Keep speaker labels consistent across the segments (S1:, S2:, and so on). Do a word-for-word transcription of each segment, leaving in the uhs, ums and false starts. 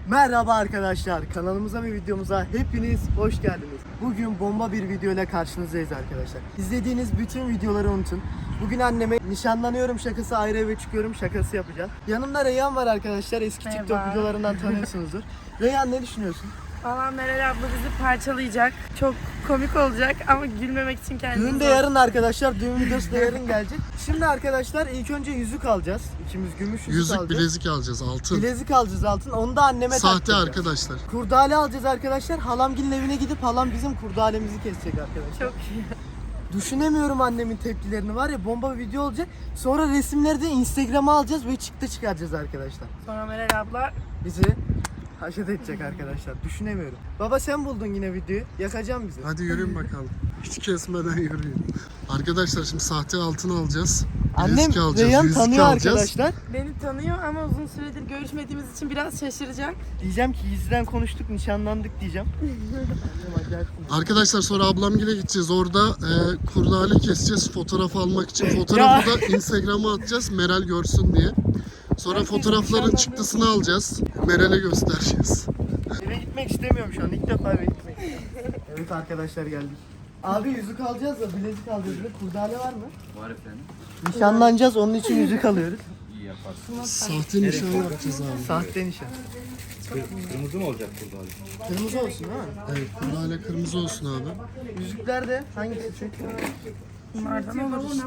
S1: Merhaba arkadaşlar, kanalımıza ve videomuza hepiniz hoş geldiniz. Bugün bomba bir video ile karşınızdayız arkadaşlar. İzlediğiniz bütün videoları unutun. Bugün anneme nişanlanıyorum şakası, ayrı eve çıkıyorum şakası yapacağız. Yanımda Reyhan var arkadaşlar, eski
S2: Merhaba.
S1: TikTok videolarından tanıyorsunuzdur. Reyhan, ne düşünüyorsun?
S2: Valla Meral abla bizi parçalayacak. Çok komik olacak ama gülmemek için kendimizi...
S1: Düğün de yarın arkadaşlar, düğün videosu da yarın gelecek. Şimdi arkadaşlar ilk önce yüzük alacağız. İkimiz gümüş yüzük,
S3: Yüzük,
S1: alacağız.
S3: bilezik alacağız, altın.
S1: Bilezik alacağız, altın. Onu da anneme
S3: Sahte
S1: taktıracağız.
S3: arkadaşlar.
S1: Kurdale alacağız arkadaşlar. Halamgilin evine gidip halam bizim kurdalemizi kesecek arkadaşlar.
S2: Çok iyi.
S1: Düşünemiyorum annemin tepkilerini, var ya, bomba bir video olacak. Sonra resimleri de Instagram'a alacağız ve çıktı çıkaracağız arkadaşlar.
S2: Sonra Meral abla...
S1: Bizi haşet edecek arkadaşlar. Düşünemiyorum. Baba, sen buldun yine videoyu. Yakacağım bizi.
S3: Hadi yürüyün bakalım. Hiç kesmeden yürüyün. Arkadaşlar şimdi sahte altın alacağız.
S1: Annem
S3: Bilezik alacağız,
S1: Reyhan
S3: yüzük
S1: tanıyor
S3: alacağız.
S1: arkadaşlar.
S2: Beni tanıyor ama uzun süredir görüşmediğimiz için biraz şaşıracak.
S1: Diyeceğim ki gizliden konuştuk, nişanlandık diyeceğim.
S3: Arkadaşlar sonra ablamgile gideceğiz. Orada e, kurdale keseceğiz fotoğraf almak için. Fotoğrafı da Instagram'a atacağız Meral görsün diye. Sonra fotoğrafların çıktısını alacağız. Meral'e göstereceğiz.
S1: Eve gitmek istemiyorum şu an. İlk defa eve gitmek istiyorum. Evet arkadaşlar, geldik. Abi yüzük alacağız da bilezik alacağız. Bir de kurdale var mı?
S4: Var efendim.
S1: Nişanlanacağız, onun için yüzük alıyoruz.
S4: İyi yaparsın.
S3: Sahte nişan yapacağız abi.
S1: Sahte nişan.
S4: Kırmızı mı olacak burada abi?
S1: Kırmızı olsun değil mi?
S3: Evet, kurdale kırmızı olsun abi.
S1: Yüzükler de hangisi çünkü?
S2: Bunlardan olur işte.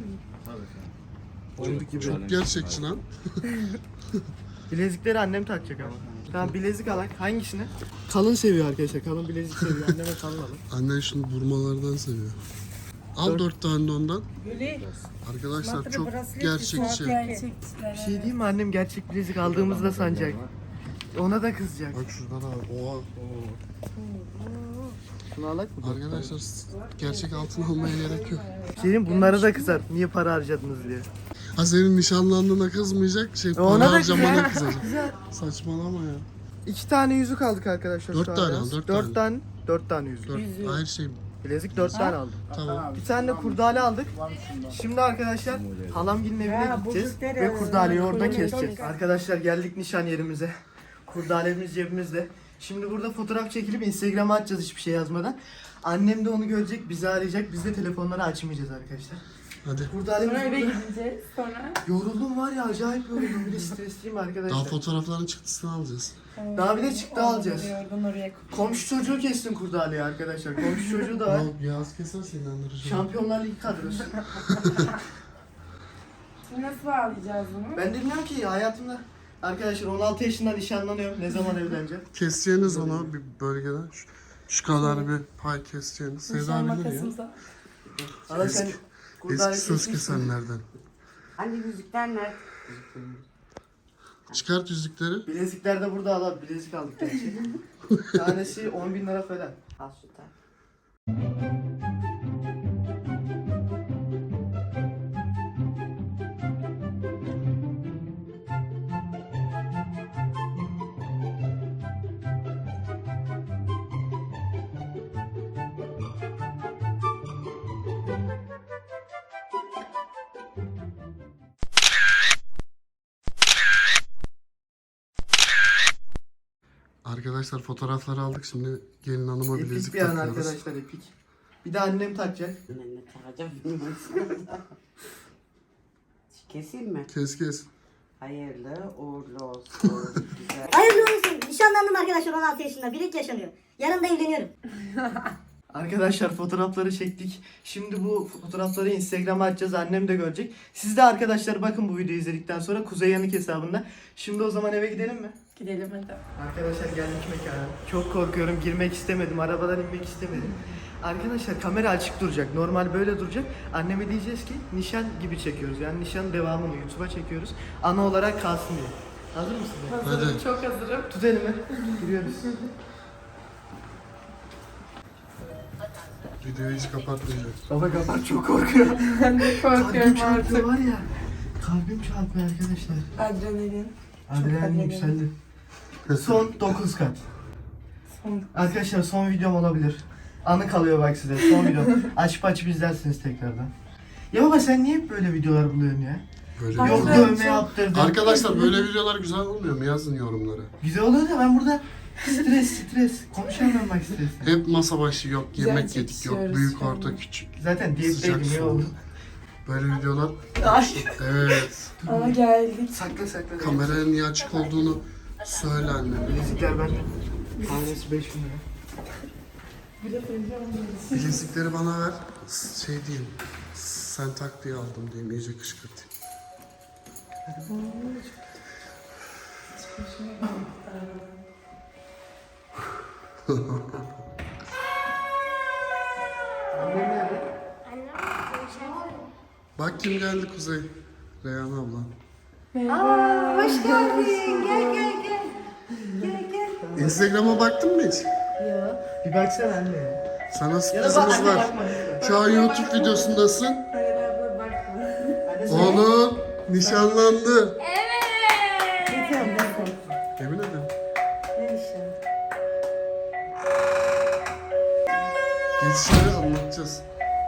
S3: Çok gerçekçi lan.
S1: Bilezikleri annem takacak ama. Tamam, bilezik alak. Hangisini? Kalın seviyor arkadaşlar. Kalın bilezik seviyor. Anneme kalın alın.
S3: Annen şunu burmalardan seviyor. Al dört tane de ondan. Arkadaşlar çok gerçekçi.
S1: Bir şey diyeyim mi? Annem gerçek bilezik aldığımızda sanacak. Ona da kızacak.
S3: Bak şuradan abi. Oha.
S1: Şunu alak mı?
S3: Arkadaşlar gerçek altın almaya gerek yok.
S1: Bir şey diyeyim, bunlara da kızar. Niye para harcadınız diye.
S3: Ha, senin nişanlandığına kızmayacak, şey para
S1: Ona da
S3: harcamana
S1: kızar.
S3: kızacak. Saçmalama ya.
S1: İki tane yüzük aldık arkadaşlar.
S3: Dört
S1: şu an
S3: tane
S1: biraz.
S3: al, dört
S1: Dört
S3: tane.
S1: tane. Dört tane yüzük.
S3: Dört, hayır şey
S1: Bilezik dört tane aldım.
S3: tamam.
S1: Bir tane de kurdale aldık. Şimdi arkadaşlar halamgilin evine gideceğiz ve kurdaleyi orada keseceğiz. Arkadaşlar geldik nişan yerimize. Kurdalemiz cebimizde. Şimdi burada fotoğraf çekilip Instagram'a atacağız hiçbir şey yazmadan. Annem de onu görecek, bizi arayacak. Biz de telefonları açmayacağız arkadaşlar.
S3: Hadi.
S1: Kurdalemiz
S2: Sonra eve
S1: burada.
S2: gideceğiz. Sonra...
S1: Yoruldum var ya, acayip yoruldum. Bir de stresliyim
S3: Daha
S1: arkadaşlar.
S3: fotoğrafların çıktısını alacağız.
S1: Daha bir de çıktı alacağız.
S2: Oradan oraya
S1: Komşu çocuğu kestim kurdaleyi arkadaşlar. Komşu çocuğu da var.
S3: Ya yaz keserse inandırıcı.
S1: Şampiyonlar Ligi kadrosu.
S2: Şimdi nasıl bağlayacağız bunu?
S1: Ben de bilmiyorum ki hayatımda. Arkadaşlar on altı yaşında nişanlanıyorum. Ne zaman evleneceğim?
S3: Keseceğiniz onu bir bölgeden. Şu, şu kadar bir pay keseceğiniz. Sevda
S2: Nişan
S3: bilir ya.
S2: makasımıza.
S1: Hala sen kurdale
S3: Eski söz
S1: kesmişsin.
S3: kesenlerden.
S5: Hani yüzükler nerede?
S3: Çıkart yüzükleri.
S1: Bilezikler de burada, al. Bilezik aldık gerçi. Tanesi on bin lira falan.
S5: Al şu tane.
S3: Arkadaşlar fotoğrafları aldık. Şimdi gelin hanıma
S1: Epik
S3: bilezik
S1: bir an
S3: takıyoruz.
S1: arkadaşlar, epik. Bir de annem takacak.
S5: Ben ne takacağım bilmiyorum. Keseyim mi?
S3: Kes kes.
S5: Hayırlı uğurlu olsun. Güzel.
S6: Hayırlı olsun. Nişanlandım arkadaşlar, on altı yaşında. Birlik yaşanıyor. Yarın da evleniyorum.
S1: Arkadaşlar fotoğrafları çektik. Şimdi bu fotoğrafları Instagram'a atacağız. Annem de görecek. Siz de arkadaşlar bakın bu videoyu izledikten sonra Kuzey Yanık hesabında. Şimdi o zaman eve gidelim mi?
S2: Gidelim hadi.
S1: Arkadaşlar geldik mekana. Çok korkuyorum, girmek istemedim, arabadan inmek istemedim. Arkadaşlar kamera açık duracak, normal böyle duracak. Anneme diyeceğiz ki nişan gibi çekiyoruz, yani nişan devamını YouTube'a çekiyoruz. Ana olarak kalsın diye. Hazır mısın?
S2: Hazırım,
S3: Hadi.
S2: çok hazırım.
S1: Tut elimi, giriyoruz.
S3: Videoyu hiç kapatmayacağım.
S1: Baba kapat, çok korkuyorum.
S2: Ben de
S1: Kalbim
S2: korkuyorum
S1: çarpıyor
S2: artık.
S1: var ya. Kalbim çarpıyor arkadaşlar.
S2: Adrenalin.
S1: Adrenalin
S2: adrenalin.
S1: yükseldi. Son dokuz kat.
S2: Son...
S1: Arkadaşlar son videom olabilir. Anı kalıyor bak size, son video. Açıp açıp izlersiniz tekrardan. Ya baba, sen niye hep böyle videolar buluyorsun ya?
S3: Böyle
S2: Bak-
S1: Yok
S3: videolar-
S1: dövme yaptırdım.
S3: Arkadaşlar böyle videolar güzel olmuyor mu? Yazın yorumlara.
S1: Güzel oluyor da ben burada stres stres. Konuşamıyorum bak stresle.
S3: Hep masa başı yok,
S2: Güzel
S3: yemek yedik yok,
S2: çekişiyoruz
S3: büyük
S2: şu an.
S3: orta küçük.
S1: Zaten
S3: Sıcak
S1: diyetteydim ya
S3: soğuk.
S1: oğlum.
S3: Böyle videolar.
S1: Ay.
S3: Evet.
S2: Ama geldik.
S1: Sakla sakla.
S3: Kameraya niye açık olduğunu söyle anne.
S1: Bilezikler bende. Tanesi beş bin lira.
S3: Bilezikleri bana ver. Şey diyeyim. Sen tak diye aldım diyeyim. İyice kışkırtayım. Bak kim geldi Kuzey. Reyhan abla.
S6: Hoş geldin. Gel gel gel. Gel gel.
S3: Instagram'a baktın mı hiç?
S1: Bir baksana anne.
S3: Sana
S1: Ya da bak
S3: sürprizimiz
S1: anne
S3: var.
S1: bakma lütfen.
S3: Şu an YouTube videosundasın.
S2: Hayır abla bakma.
S1: Anne sen-
S3: Oğlum nişanlandı.
S6: Ne diyorum ben sana?
S3: Yemin ederim.
S6: Ne işin?
S3: Geç içeri anlatacağız.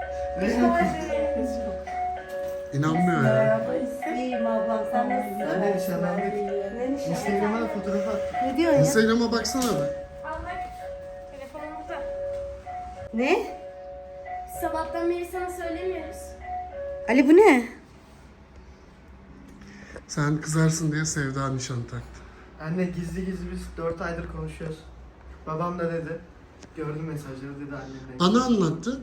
S3: İnanmıyor ya.
S2: Abla ise.
S6: İyiyim ablam sen nasılsın?
S1: Anne nişanlandık.
S6: Ne nişan?
S1: Instagram'a da fotoğraf attım.
S6: Ne diyorsun ya?
S3: Instagram'a baksana be.
S7: Al bak. Telefonum burada.
S6: Ne?
S7: Sabahtan beri sana söylemiyoruz.
S6: Ali bu ne?
S3: Sen kızarsın diye Sevda nişan taktı.
S1: Anne gizli gizli biz dört aydır konuşuyoruz. Babam da dedi. Gördüm mesajları dedi annemden.
S3: Bana anlattı.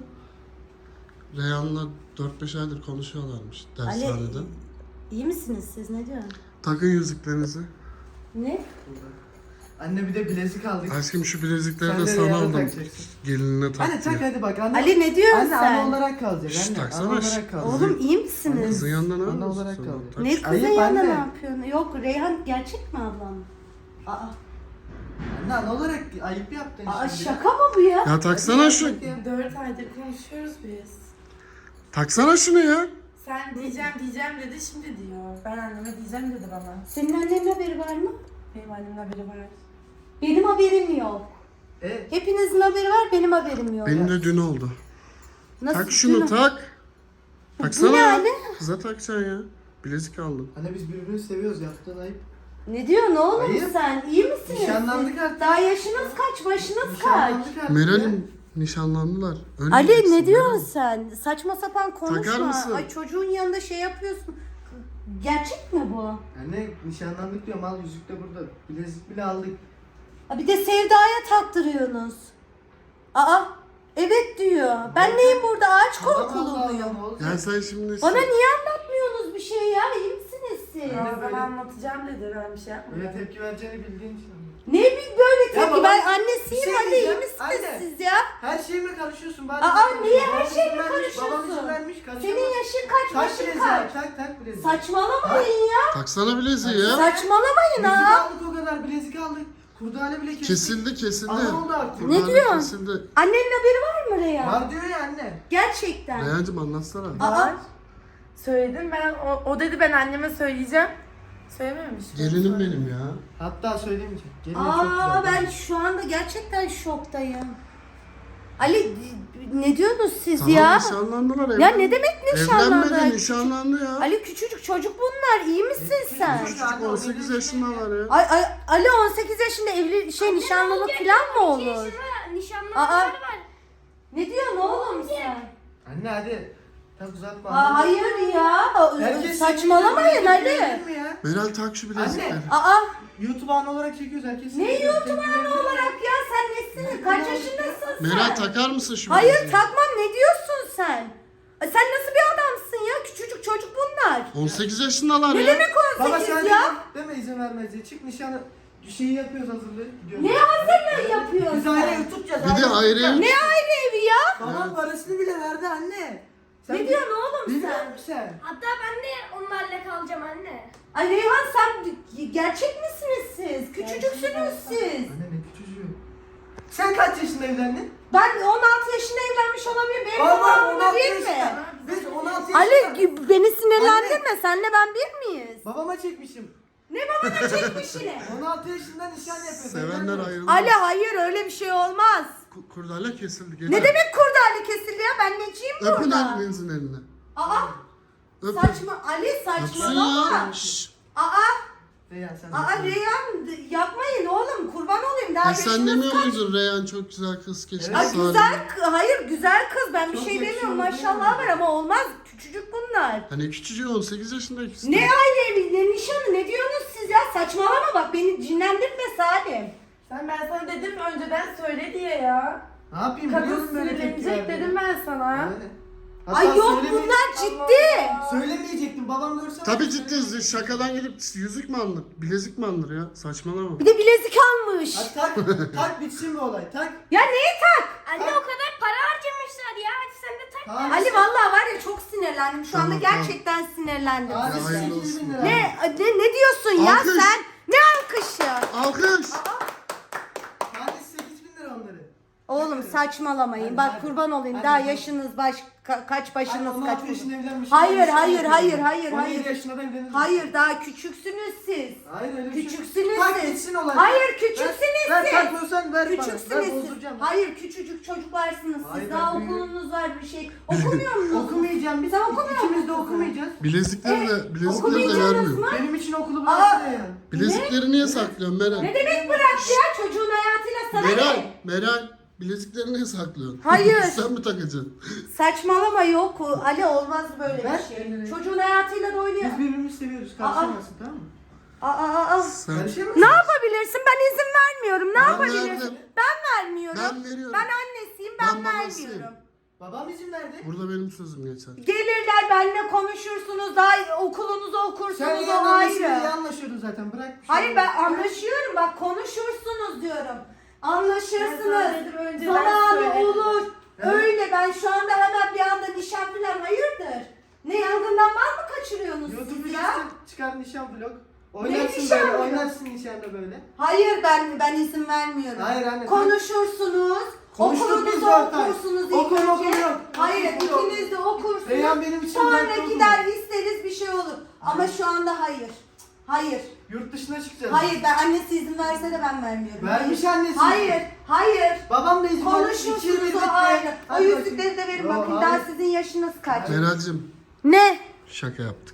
S3: Reyhan'la dört beş aydır konuşuyorlarmış dershanede.
S6: İyi misiniz siz? Ne diyorsun?
S3: Takın yüzüklerinizi.
S6: Ne?
S1: Anne bir de bilezik aldık.
S3: Aşkım şu bilezikleri
S1: Sen
S3: de
S1: de
S3: sana
S1: Reyhan'a
S3: aldım.
S1: takacaksın.
S3: Gelinine tak
S1: Anne tak
S3: diye.
S1: hadi bak anne.
S6: Ali ne diyorsun
S1: Anne
S6: sen?
S1: ana olarak kalacak
S3: Şşt,
S1: anne.
S3: taksana
S1: Ana
S3: şşt.
S1: olarak kalacak.
S6: Oğlum iyi misiniz?
S3: Kızın yanında ne
S1: Ana
S3: yapıyorsun
S1: olarak
S3: sen?
S1: kaldı.
S3: Tak.
S6: Ne kızın
S1: Ayıp
S6: yanında
S1: anne.
S6: ne yapıyorsun? Yok Reyhan gerçek mi ablam? Aa,
S1: Anne ana olarak ayıp yaptın
S6: aa
S1: şimdi.
S6: şaka mı bu ya?
S3: Ya taksana şu.
S2: Dört aydır konuşuyoruz biz.
S3: Taksana şunu ya.
S2: Sen diyeceğim diyeceğim dedi şimdi diyor. Ben anneme diyeceğim dedi bana.
S6: Senin annenin haberi var mı?
S2: Benim annemin haberi var.
S6: Benim haberim yok.
S1: E,
S6: Hepinizin haberi var, benim haberim yok.
S3: Benim de dün oldu.
S6: Nasıl
S3: Tak şunu
S6: dün-
S3: tak. Taksana
S6: ne
S3: ya.
S6: Ali?
S3: Kıza takacaksın ya. Bilezik aldım.
S1: anne biz birbirini seviyoruz yaptığın ayıp.
S6: Ne diyorsun oğlum
S1: Hayır.
S6: sen? İyi misiniz?
S1: Nişanlandık
S6: siz?
S1: artık.
S6: Daha yaşınız kaç, başınız kaç?
S1: Nişanlandık artık.
S3: Meral'im nişanlandılar. Öyle
S6: Ali
S3: diyeceksin,
S6: ne diyorsun
S3: Meral.
S6: sen? Saçma sapan konuşma.
S3: Takar mısın?
S6: Ay çocuğun yanında şey yapıyorsun. Gerçek mi bu?
S1: Anne nişanlandık diyorum al yüzük de burada. Bilezik bile aldık.
S6: Ha, bir de Sevda'ya taktırıyorsunuz. Aa, evet diyor. Ben neyim burada? Ağaç
S1: Allah
S6: korkulu
S1: Allah,
S6: muyum?
S1: ne olacak?
S3: Ya sen şimdi...
S6: Bana niye anlatmıyorsunuz bir şey ya? İyi misiniz siz?
S1: Ben de
S2: Ya ben
S1: böyle-
S2: anlatacağım dedi ben bir şey yapmadım.
S1: Öyle tepki vereceğini bildiğin için.
S6: Ne bir böyle tepki?
S1: baba,
S6: Ben
S1: bir
S6: annesiyim
S1: şey
S6: Ali iyi
S1: diyeceğim.
S6: misiniz
S1: Anne.
S6: siz ya?
S1: Her şeyime karışıyorsun. Bari
S6: Aa, niye her
S1: Babam
S6: şeyime
S1: izin vermiş, Babam
S6: karışıyorsun?
S1: izin vermiş karışamaz.
S6: Senin yaşın kaç,
S1: Tak
S6: başın
S1: bileziği
S6: kaç?
S1: tak tak bileziği.
S6: Saçmalamayın ya.
S3: Taksana bileziği ya.
S6: Saçmalamayın
S1: Bilezik
S6: ha.
S1: aldık o kadar bilezik aldık. Kurdale bile kestik.
S3: Kesildi kesildi.
S1: Ana oldu artık.
S6: Ne
S3: Kurdale
S6: diyorsun?
S3: Kesildi.
S6: Annenin haberi var mı Reyhan?
S1: Var diyor ya anne.
S6: Gerçekten.
S3: Reyhancığım anlatsana.
S6: Aa,
S2: Var. Söyledim ben. O, o dedi ben anneme söyleyeceğim. Söylememiş.
S3: Gelinim benim ya.
S1: Hatta söylemeyeceğim. Gelin çok
S6: Aa
S1: güzel.
S6: ben şu anda gerçekten şoktayım. Ali ne diyorsunuz siz
S3: Tamam
S6: ya?
S3: nişanlandılar.
S6: Ya
S3: evlen-
S6: ne demek nişanlandı?
S3: Evlenmedi nişanlandı ya.
S6: Ali küçücük çocuk bunlar. İyi misin sen?
S3: Çocuk on sekiz yaşındalar ya.
S6: Ay, ay, Ali on sekiz yaşında evli şey nişanlılık falan mı olur? Aa.
S7: Nişanlanmalar var.
S6: Ne diyorsun oğlum sen?
S1: Anne hadi. Tak uzatma.
S6: Aa, hayır ya.
S1: Herkes
S6: Saçmalamayın
S1: çekiyor,
S6: Ali.
S1: değil mi ya?
S3: Meral tak şu bilezikleri.
S1: Anne.
S6: Aa
S1: YouTube anı olarak çekiyoruz herkes.
S6: ne
S1: çekiyor,
S6: YouTube
S1: tepki veriyor.
S6: olarak ya sen nesin? Kaç yaşındasın sen?
S3: Meral takar mısın şu
S6: Hayır
S3: bileziği?
S6: takmam ne diyorsun sen? Ay, sen nasıl bir adamsın ya? Küçücük çocuk bunlar.
S3: on sekiz yaşındalar
S6: Ne
S3: ya.
S6: demek
S1: Baba
S6: on sekiz
S1: sen
S6: ya?
S1: deme izin vermez diye. Çık nişanı şeyi yapıyoruz hazırlığı. Gidiyoruz.
S6: Ne hazırlığı yapıyorsun
S1: Biz ayrı
S6: sen?
S1: ev tutacağız.
S3: Bir de ayrı ev.
S6: Ne ayrı evi ya?
S1: Babam parasını bile verdi anne. Sen
S6: Ne diyorsun oğlum
S1: Bilmiyor
S6: sen?
S1: musun sen?
S7: Hatta ben de onlarla kalacağım anne.
S6: Ay Reyhan sen gerçek misiniz siz? Küçücüksünüz siz.
S1: Anne ne küçücüğü. Sen kaç yaşında evlendin?
S6: Ben on altı yaşında evlenmiş olabilirim. Benim
S1: Baba
S6: zamanımda
S1: on altı
S6: değil mi?
S1: yaşında. Biz on altı yaşında.
S6: Ali beni sinirlendirme. Senle ben bir miyiz?
S1: Babama çekmişim.
S6: Ne babana çekmiş yine?
S1: on altı yaşında nişan yapıyor.
S3: Sevenler ayrıldı.
S6: Ali hayır öyle bir şey olmaz.
S3: Ku- Kurdale kesildi.
S6: Ne demek kurdale kesildi ya? Ben neciyim
S3: Öpün
S6: burada?
S3: elinizin eline.
S6: Aa
S3: Öp.
S6: Saçma Ali
S3: Öpsün
S6: saçmalama.
S3: ya. Şşş.
S6: Aa
S1: Reyhan sen
S6: aa
S1: de-
S6: Reyhan yapmayın oğlum kurban olayım daha
S3: E sen
S6: yaşınız
S3: demiyor
S6: kaç?
S3: muydun Reyhan çok güzel kız keşke
S1: Evet.
S6: Ay
S3: Salim.
S6: güzel kı- hayır güzel kız ben bir
S1: Çok
S6: şey demiyorum
S1: yakışıyor,
S6: maşallah
S1: değil
S6: var
S1: mi?
S6: ama olmaz küçücük bunlar.
S3: Hani küçücük on sekiz yaşında ikisi.
S6: Ne aile evi ne nişanı ne diyorsunuz siz ya saçmalama bak beni cinlendirme Salim.
S2: Sen ben sana dedim önceden söyle diye ya.
S1: Ne yapayım?
S2: Kadın
S1: biliyorum böyle tepki
S2: sinirlenecek
S1: verdiğini.
S2: dedim ben sana.
S1: Aynen. Hatta
S6: Ay yok
S1: söyleme-
S6: bunlar ciddi.
S1: Söylemeyecektim babam görse.
S3: Tabii ciddi şakadan gidip yüzük mü alınır? Bilezik mi alınır ya? Saçmalama.
S6: Bir de bilezik almış.
S1: Hadi tak, tak bitsin bu olay, tak.
S6: Ya neyi tak?
S7: Anne o kadar para harcamışlar ya. Hadi sen de tak.
S1: Tamam.
S6: Ali vallahi var ya çok sinirlendim şu anda
S3: Tamam, tamam.
S6: gerçekten sinirlendim.
S1: Hadi
S3: Ya, hayırlı
S1: sekiz bin
S3: olsun.
S1: lira.
S6: Ne, ne ne diyorsun ya
S3: Alkış.
S6: sen? Ne alkışı?
S3: Alkış.
S1: Hadi sekiz bin lira onları.
S6: Oğlum saçmalamayın.
S1: Hadi,
S6: Bak
S1: hadi.
S6: kurban olayım.
S1: Hadi,
S6: Daha
S1: hadi.
S6: yaşınız baş ka- kaç
S1: Ay,
S6: başınız
S1: on
S6: kaç.
S1: altı yaşında evlenmiş.
S6: Hayır,
S1: on beş
S6: hayır,
S1: yaşında
S6: hayır,
S1: evlenmiş.
S6: hayır,
S1: on yedi
S6: hayır.
S1: yaşında da evlenir.
S6: Hayır daha küçüksünüz siz.
S1: Hayır öyle bir şey.
S6: Küçüksünüz
S1: Tak
S6: siz.
S1: bitsin olay.
S6: Hayır küçüksünüz
S1: Ver, ver
S6: siz.
S1: takmıyorsan ver bana. Ben
S6: Küçüksünüz siz.
S1: bozduracağım.
S6: Hayır küçücük çocuklarsınız siz.
S1: Hayır,
S6: Daha
S1: ben büyüğüm.
S6: okulunuz var bir şey. Okumuyor musunuz?
S1: Okumayacağım biz.
S6: Sen okumuyor
S1: İkimiz de
S6: musun?
S1: okumayacağız.
S3: Bilezikleri de, bilezikleri de
S6: Okumayacaksınız
S3: vermiyor.
S6: mı?
S1: Benim için okulu
S6: Aa.
S1: bıraktı ya. yani.
S3: Bilezikleri niye saklıyorsun Meral?
S6: Ne demek bırak ya çocuğun hayatıyla sana
S3: Meral,
S6: ne?
S3: Meral. Bilezikleri niye saklıyorsun?
S6: Hayır.
S3: Sen mi takacaksın?
S6: Saçmalama yok. Ali olmaz böyle
S1: Ver
S6: bir şey.
S1: elini.
S6: Çocuğun hayatıyla da oynuyor.
S1: Biz birbirimizi seviyoruz. Karışamazsın tamam mı?
S6: Aa, aa, aa.
S3: Sen...
S1: Karışamazsın.
S6: Ne yapabilirsin? Ben izin vermiyorum. Ne
S3: Ben
S6: yapabilirsin?
S3: verdim.
S6: Ben vermiyorum.
S3: Ben veriyorum.
S6: Ben annesiyim. Ben,
S3: Ben babasıyım.
S6: vermiyorum.
S1: Babam izin verdi.
S3: Burada benim sözüm geçer.
S6: Gelirler benimle konuşursunuz. Daha okulunuzu
S1: Sen
S6: okursunuz o
S1: yanındasın diye
S6: ayrı.
S1: anlaşıyordun zaten. Bırak. bir şey
S6: Hayır ben
S1: olmaz.
S6: anlaşıyorum. Bak konuşursunuz diyorum.
S2: Ben sana
S6: Anlaşırsınız.
S2: dedim önceden
S6: Zamanı
S2: söyledim.
S6: olur.
S1: Evet.
S6: Öyle ben şu anda hemen bir anda nişan falan hayırdır? Ne yangından mal mı kaçırıyorsunuz
S1: YouTube
S6: siz ya?
S1: videosu çıkar nişan vlog. Oynarsın
S6: nişan
S1: böyle,
S6: vlog?
S1: oynarsın nişanda böyle.
S6: Hayır ben ben izin vermiyorum.
S1: Hayır anne.
S6: Konuşursunuz.
S1: Konuştuk
S6: Okulunuzu
S1: biz zaten.
S6: okursunuz ilk
S1: Okul,
S6: önce.
S1: okul yok.
S6: Hayır
S1: Okul yok.
S6: ikiniz de okursunuz.
S1: Reyhan benim için
S6: Sonra
S1: dertli okul.
S6: gider isteriz bir şey olur. Ama şu anda hayır. Hayır.
S1: Yurt dışına çıkacağız.
S6: Hayır ben annesi izin verse de ben vermiyorum.
S1: Vermiş
S6: Hayır.
S1: annesi.
S6: Hayır. Hayır.
S1: Babam da izin vermiş.
S6: Konuşursunuz
S1: İkiye
S6: o
S1: birlikte.
S6: ayrı. O
S1: Hadi
S6: yüzükleri de
S1: bakayım.
S6: verin
S1: Yo,
S6: bakın.
S1: hayır.
S6: Daha sizin yaşınız kaç?
S3: Meral'cim
S6: Ne?
S3: şaka yaptık.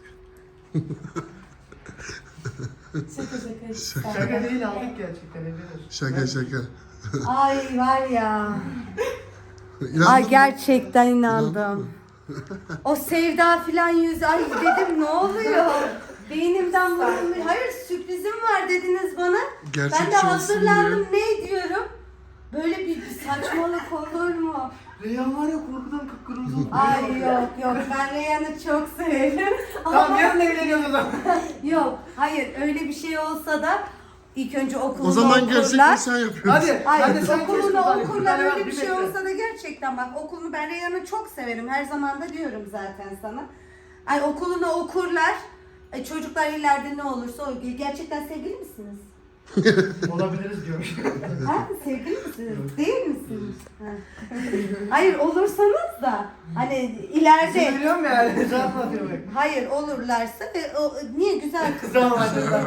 S2: Şaka şaka.
S1: Şaka değil aldık gerçekten evlenir.
S3: Şaka şaka.
S6: Ay var ya.
S3: İnandın
S6: Ay
S3: mı?
S6: gerçekten
S3: İnandın
S6: inandım.
S3: mı?
S6: O sevda filan yüz ay dedim ne oluyor? Beynimden vurulmuş. Hayır sürprizim var dediniz bana.
S3: Gerçekçi
S6: Ben de
S3: olsun
S6: hazırlandım ne diyorum? Böyle bir, bir saçmalık olur mu?
S1: Reyhan var ya korkudan kıpkırmızı oldu.
S6: Ay yok yok ben Reyhan'ı çok severim.
S1: Tamam
S6: Ama
S1: yarın evleniyoruz o zaman.
S6: yok hayır öyle bir şey olsa da ilk önce okulunu
S3: O zaman
S6: okurlar.
S3: gerçekten sen yapıyorsun.
S1: Hadi.
S6: Hayır
S1: hadi sen kes
S6: okulunu
S1: buradan.
S6: okurlar
S1: Hadi
S6: öyle
S1: bak,
S6: bir şey
S1: bekle.
S6: olsa da gerçekten bak okulunu ben Reyhan'ı çok severim her zaman da diyorum zaten sana. Ay okulunu okurlar. Ay, çocuklar ileride ne olursa o gerçekten sevgili misiniz?
S1: Olabiliriz diyormuş.
S6: Ha sevgili misiniz? Değil misiniz? Ha. Hayır olursanız da hani ileride
S1: İzin veriyorum yani. Cevap atıyor bak.
S6: hayır olurlarsa e, o, niye güzel kız
S1: Tamam hadi.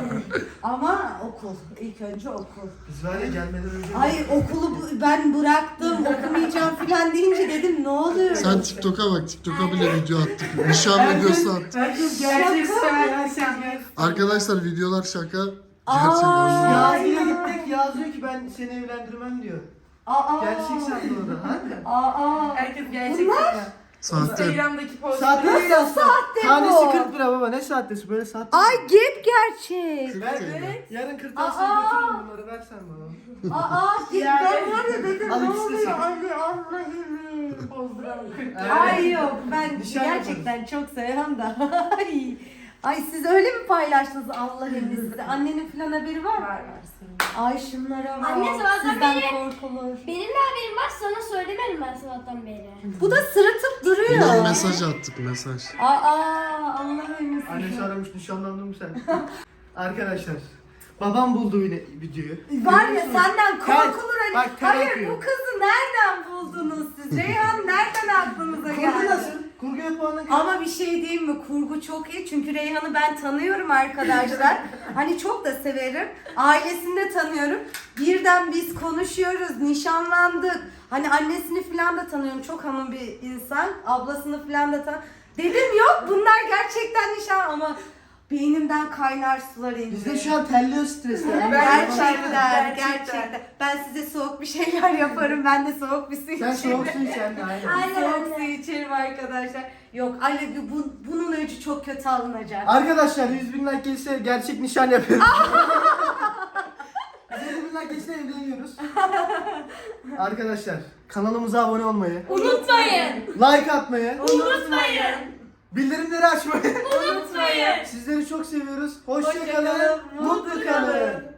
S6: ama okul ilk önce okul.
S1: Biz var ya gelmeden önce.
S6: Hayır okulu bu- ben bıraktım okumayacağım filan deyince dedim ne oluyor?
S3: Sen TikTok'a bak. TikTok'a bile video attık. Nişan videosu attık.
S1: Herkes gerçek söylüyor.
S3: Arkadaşlar videolar şaka.
S6: Aa.
S3: Gerçekten.
S1: Yazıya gittik. Yaz diyor ki ben seni evlendirmem diyor.
S6: Aa,
S1: Gerçek sandı o da. Hadi.
S6: Aa,
S2: Herkes gerçek
S6: Bunlar-
S2: sanıyor.
S3: Sahte.
S2: Instagram'daki post.
S1: Saatte değil aslında.
S6: saatte bu?
S1: Tanesi kırk lira baba. Ne saattesi? Böyle saatte.
S6: Ay gep gerçek.
S1: Ver.
S2: Evet.
S1: Yarın kırtasiye
S6: Aa.
S1: götürürüm bunları. Versen bana.
S6: Aa gep ben var ya dedim
S1: Al
S6: ne
S1: ikisi de
S6: oluyor
S1: senin.
S6: Ali Allah'ım.
S2: Pozduralım.
S6: Ay yok ben
S1: Nişan
S6: gerçekten çok seviyorum da. Ay. Ay siz öyle mi paylaştınız Allah size? Annenin falan haberi var mı?
S2: Var var senin.
S6: Ay şunlara bak.
S7: Anne, sabahtan
S6: Sizden
S7: beri-
S6: korkulur.
S7: Benim de haberim var sana söylemedim ben sabahtan beri.
S6: Bu da sırıtıp duruyor.
S3: Bundan mesaj attık mesaj.
S6: Aa Allah'ım.
S1: Annesi aramış nişanlandın mı sen? Arkadaşlar. Babam buldu yine videoyu.
S6: Var ya
S1: Görüyor musunuz?
S6: senden
S1: Ter-
S6: korkulur hani.
S1: Bak, ter
S6: Hayır
S1: akıyor.
S6: bu kızı nereden buldunuz siz? Reyhan nereden aklınıza
S1: Kurgu
S6: geldi?
S1: nasıl? Kurguya puanı göre.
S6: Ama bir şey diyeyim mi? Kurgu çok iyi. Çünkü Reyhan'ı ben tanıyorum arkadaşlar. Hani çok da severim. Ailesini de tanıyorum. Birden biz konuşuyoruz, nişanlandık. Hani annesini falan da tanıyorum. Çok hanım bir insan. Ablasını falan da tanıyorum. Dedim yok bunlar gerçekten nişan ama beynimden kaynar sular indi.
S1: Biz de şu an terliyoruz stresten.
S6: Gerçekten, gerçekten. Ben size soğuk bir şeyler yaparım. Ben de soğuk bir su
S1: Sen
S6: içerim.
S1: soğuk su iç anne aynen.
S6: Aynen, soğuk su içerim arkadaşlar. Yok Ali bu, bunun öcü çok kötü alınacak.
S1: Arkadaşlar yüz bin like gelirse gerçek nişan yapıyoruz. yüz bin like gelirse evleniyoruz. Arkadaşlar kanalımıza abone olmayı,
S7: Unutmayın.
S1: like atmayı,
S7: Unutmayın.
S1: bildirimleri açmayı
S7: Unutmayın.
S1: Sizleri çok seviyoruz. Hoşça
S6: Hoşça
S1: kalın,
S6: kalın,
S1: mutlu
S6: mutlu
S1: kalın.
S6: kalın.